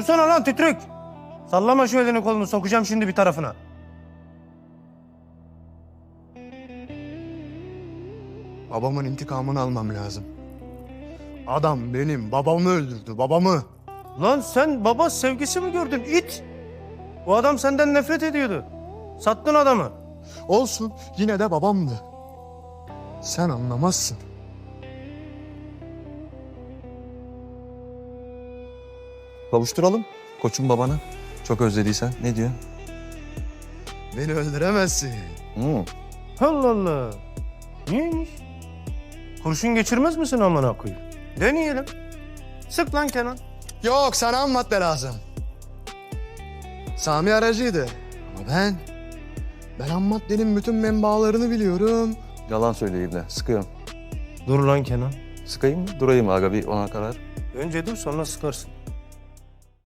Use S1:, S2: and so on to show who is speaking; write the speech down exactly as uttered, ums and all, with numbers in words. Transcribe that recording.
S1: Dursana lan titrek. Sallama şu elini kolunu, sokacağım şimdi bir tarafına.
S2: Babamın intikamını almam lazım. Adam benim babamı öldürdü, babamı.
S1: Lan sen baba sevgisi mi gördün it? Bu adam senden nefret ediyordu. Sattın adamı.
S2: Olsun, yine de babamdı. Sen anlamazsın.
S3: Kavuşturalım koçum babana. Çok özlediysen. Ne diyor?
S2: Beni öldüremezsin.
S3: Hmm.
S1: Allah Allah. Niyeymiş? Kurşun geçirmez misin amına koyayım? Deneyelim. Sık lan Kenan.
S2: Yok, sana ham madde lazım. Sami aracıydı. Ama ben... Ben ham maddenin bütün menbaalarını biliyorum.
S3: Yalan söyleyeyim de. Sıkıyorum.
S1: Dur lan Kenan.
S3: Sıkayım mı? Durayım mı aga bir ona karar.
S1: Önce dur sonra sıkarsın.